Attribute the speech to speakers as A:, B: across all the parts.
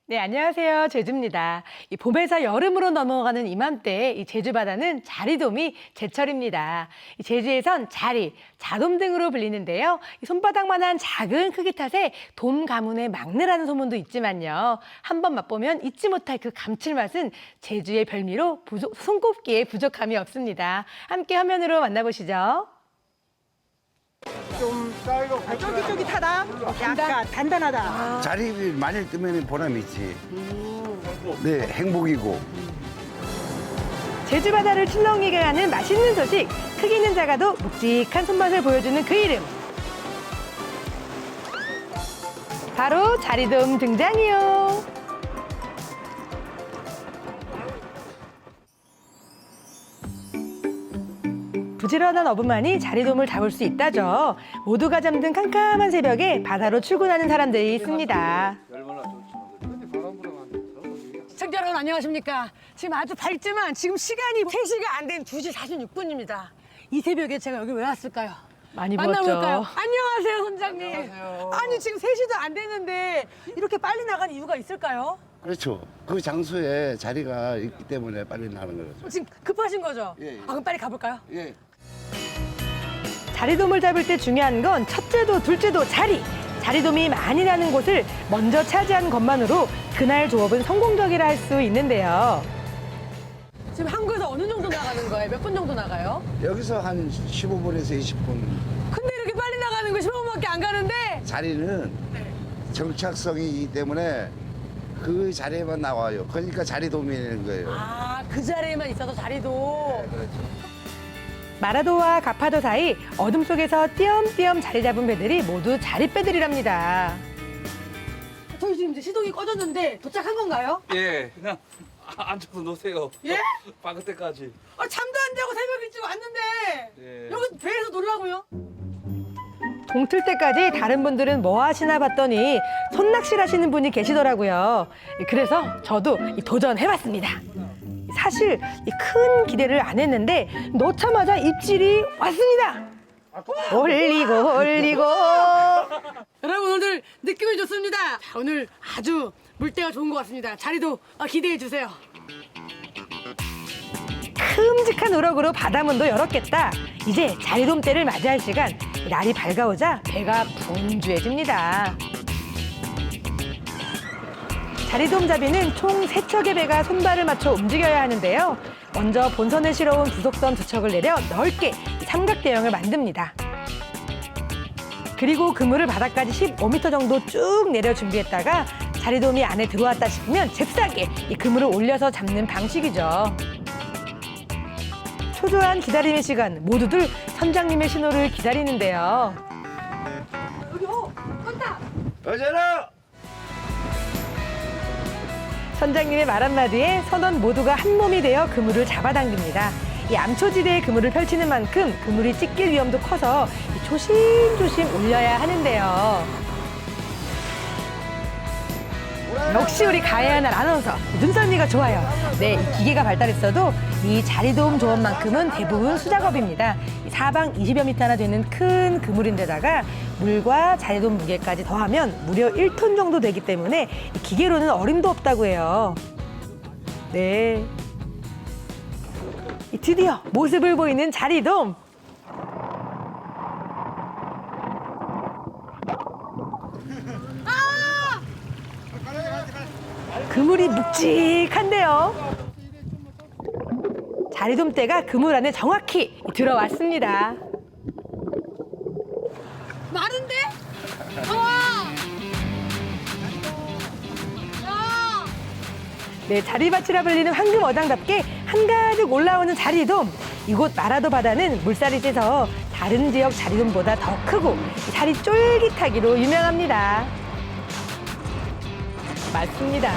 A: 네, 안녕하세요. 제주입니다. 이 봄에서 여름으로 넘어가는 이맘때 이 제주 바다는 자리돔이 제철입니다. 이 제주에선 자리, 자돔 등으로 불리는데요. 이 손바닥만한 작은 크기 탓에 돔 가문의 막내라는 소문도 있지만요. 한번 맛보면 잊지 못할 그 감칠맛은 제주의 별미로 손꼽기에 부족함이 없습니다. 함께 화면으로 만나보시죠.
B: 좀
C: 쫄깃쫄깃하다. 약간 단단하다.
B: 자리 많이 뜨면 보람이 있지. 네, 행복이고.
A: 제주 바다를 출렁이게 하는 맛있는 소식. 크기는 작아도 묵직한 손맛을 보여주는 그 이름. 바로 자리돔 등장이요. 부지런한 어부만이 자리돔을 잡을 수 있다죠. 모두가 잠든 캄캄한 새벽에 바다로 출근하는 사람들이 있습니다.
C: 시청자 여러분 안녕하십니까. 지금 아주 밝지만 지금 시간이 3시가 안 된 2시 46분입니다. 이 새벽에 제가 여기 왜 왔을까요?
A: 많이
C: 만나볼까요?
A: 부었죠.
C: 안녕하세요, 선장님.
B: 안녕하세요.
C: 아니 지금 3시도 안 됐는데 이렇게 빨리 나간 이유가 있을까요?
B: 그렇죠. 그 장소에 자리가 있기 때문에 빨리 나는 거죠.
C: 지금 급하신 거죠?
B: 예, 예.
C: 아, 그럼 빨리 가볼까요?
B: 예.
A: 자리돔을 잡을 때 중요한 건 첫째도 둘째도 자리. 자리돔이 많이 나는 곳을 먼저 차지하는 것만으로 그날 조업은 성공적이라 할 수 있는데요.
C: 지금 한국에서 어느 정도 나가는 거예요? 몇 분 정도 나가요?
B: 여기서 한 15분에서 20분.
C: 근데 이렇게 빨리 나가는 거 15분밖에 안 가는데
B: 자리는 정착성이기 때문에 그 자리에만 나와요. 그러니까 자리돔이 되는 거예요.
C: 아, 그 자리에만 있어서 자리도.
A: 마라도와 가파도 사이 어둠 속에서 띄엄띄엄 자리 잡은 배들이 모두 자리배들이랍니다.
C: 저희 지금 이제 시동이 꺼졌는데 도착한 건가요?
D: 예, 그냥 앉아서 노세요.
C: 예?
D: 박을 때까지.
C: 아, 잠도 안 자고 새벽 일찍 왔는데
D: 예.
C: 여기 배에서 놀라고요?
A: 동틀 때까지 다른 분들은 뭐 하시나 봤더니 손낚시를 하시는 분이 계시더라고요. 그래서 저도 도전해봤습니다. 사실 이 큰 기대를 안 했는데 넣자마자 입질이 왔습니다. 올리고 올리고.
C: 여러분 오늘 느낌이 좋습니다. 자, 오늘 아주 물때가 좋은 것 같습니다. 자리도 기대해 주세요.
A: 큼직한 우럭으로 바다문도 열었겠다. 이제 자리돔 때를 맞이할 시간. 날이 밝아오자 배가 분주해집니다. 자리돔 잡이는 총 3척의 배가 손발을 맞춰 움직여야 하는데요. 먼저 본선에 실어온 부속선 2척을 내려 넓게 삼각대형을 만듭니다. 그리고 그물을 바닥까지 15m 정도 쭉 내려 준비했다가 자리돔이 안에 들어왔다 싶으면 잽싸게 이 그물을 올려서 잡는 방식이죠. 초조한 기다림의 시간, 모두들 선장님의 신호를 기다리는데요.
C: 여기 껐다.
B: 어제라!
A: 선장님의 말 한마디에 선원 모두가 한 몸이 되어 그물을 잡아당깁니다. 이 암초지대에 그물을 펼치는 만큼 그물이 찢길 위험도 커서 조심조심 올려야 하는데요. 역시 우리 가야하는 아나운서 눈썰미가 좋아요. 네, 이 기계가 발달했어도 이 자리돔 조업만큼은 대부분 수작업입니다. 사방 20여 미터나 되는 큰 그물인데다가 물과 자리돔 무게까지 더하면 무려 1톤 정도 되기 때문에 이 기계로는 어림도 없다고 해요. 네, 드디어 모습을 보이는 자리돔. 그물이 묵직한데요. 자리돔대가 그물 안에 정확히 들어왔습니다.
C: 마른데? 와! 야!
A: 네, 자리밭이라 불리는 황금 어장답게 한가득 올라오는 자리돔. 이곳 마라도 바다는 물살이 세서 다른 지역 자리돔보다 더 크고 살이 쫄깃하기로 유명합니다. 맞습니다.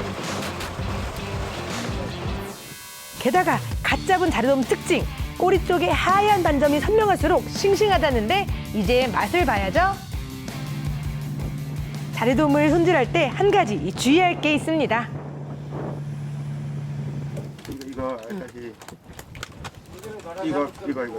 A: 게다가 갓 잡은 자리돔 특징, 꼬리 쪽에 하얀 반점이 선명할수록 싱싱하다는데 이제 맛을 봐야죠. 자리돔을 손질할 때 한 가지 주의할 게 있습니다.
E: 이거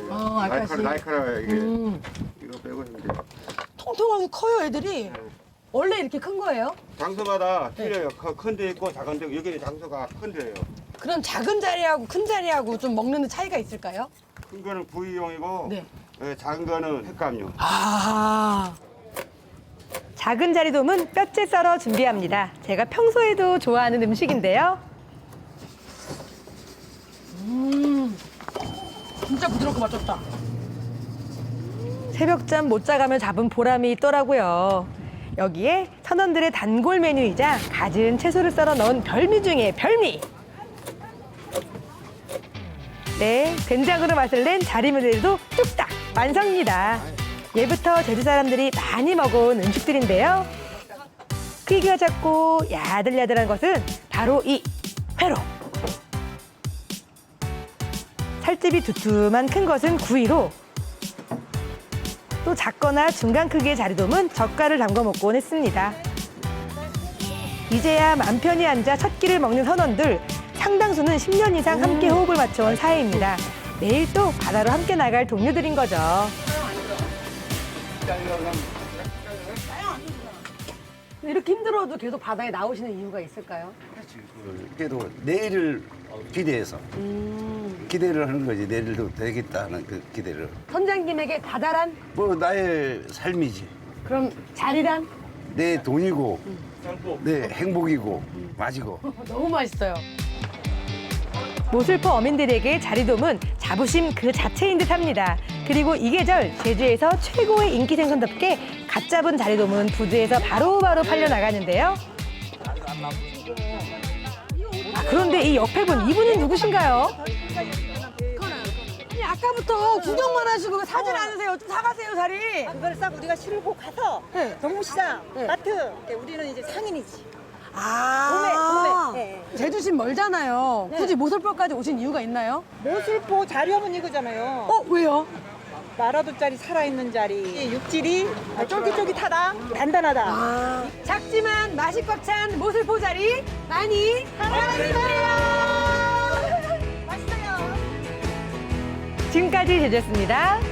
E: 알까기.
C: 알까기.
E: 날카로워 이게. 이거 빼고 이제
C: 통통하게 커요, 애들이. 원래 이렇게 큰 거예요?
E: 장소마다 틀려요. 큰 데 있고 작은 데, 여기는 장소가 큰 데예요.
C: 그럼 작은 자리하고 큰 자리하고 좀 먹는 데 차이가 있을까요?
E: 큰 거는 부위용이고
C: 네.
E: 작은 거는 횟감용.
C: 아,
A: 작은 자리돔은 뼈째 썰어 준비합니다. 제가 평소에도 좋아하는 음식인데요.
C: 진짜 부드럽고 맛있다.
A: 새벽잠 못 자가며 잡은 보람이 있더라고요. 여기에 선원들의 단골 메뉴이자 갖은 채소를 썰어 넣은 별미 중에 별미. 네, 된장으로 맛을 낸 자리면에도 뚝딱 완성입니다. 예부터 제주 사람들이 많이 먹어온 음식들인데요. 크기가 작고 야들야들한 것은 바로 이 회로. 살집이 두툼한 큰 것은 구이로, 또 작거나 중간 크기의 자리돔은 젓갈을 담궈 먹곤 했습니다. 이제야 맘 편히 앉아 첫 끼를 먹는 선원들, 상당수는 10년 이상 함께 호흡을 맞춰온 사이입니다. 내일 또 바다로 함께 나갈 동료들인 거죠.
C: 이렇게 힘들어도 계속 바다에 나오시는 이유가 있을까요?
B: 그래도 내일을 기대해서 기대를 하는 거지. 내일도 되겠다 하는 그 기대를.
C: 선장님에게 다달한
B: 뭐 나의 삶이지.
C: 그럼 자리란?
B: 내 돈이고 내 행복이고 맛이고.
C: 너무 맛있어요.
A: 모슬포 어민들에게 자리돔은 자부심 그 자체인 듯합니다. 그리고 이 계절 제주에서 최고의 인기 생선답게 갓 잡은 자리돔은 부두에서 바로바로 팔려나가는데요. 그런데 이 옆에 분, 이분은 누구신가요?
C: 아니, 아까부터 구경만 하시고 사진 안 하세요. 좀 사가세요, 자리.
F: 그걸 싹 우리가 실고 가서
C: 네.
F: 동무시장,
C: 네.
F: 마트 우리는 이제 상인이지.
C: 아,
F: 도매. 네.
C: 제주시 멀잖아요.
F: 네.
C: 굳이 모슬포까지 오신 이유가 있나요?
F: 모슬포 자리하면 이거잖아요.
C: 왜요?
F: 마라도짜리 살아있는 자리. 이 육질이 쫄깃쫄깃하다, 단단하다.
C: 작지만 맛이 꽉 찬 모슬포 자리 많이 사랑해주세요.
F: 맛있어요.
A: 지금까지 제주였습니다.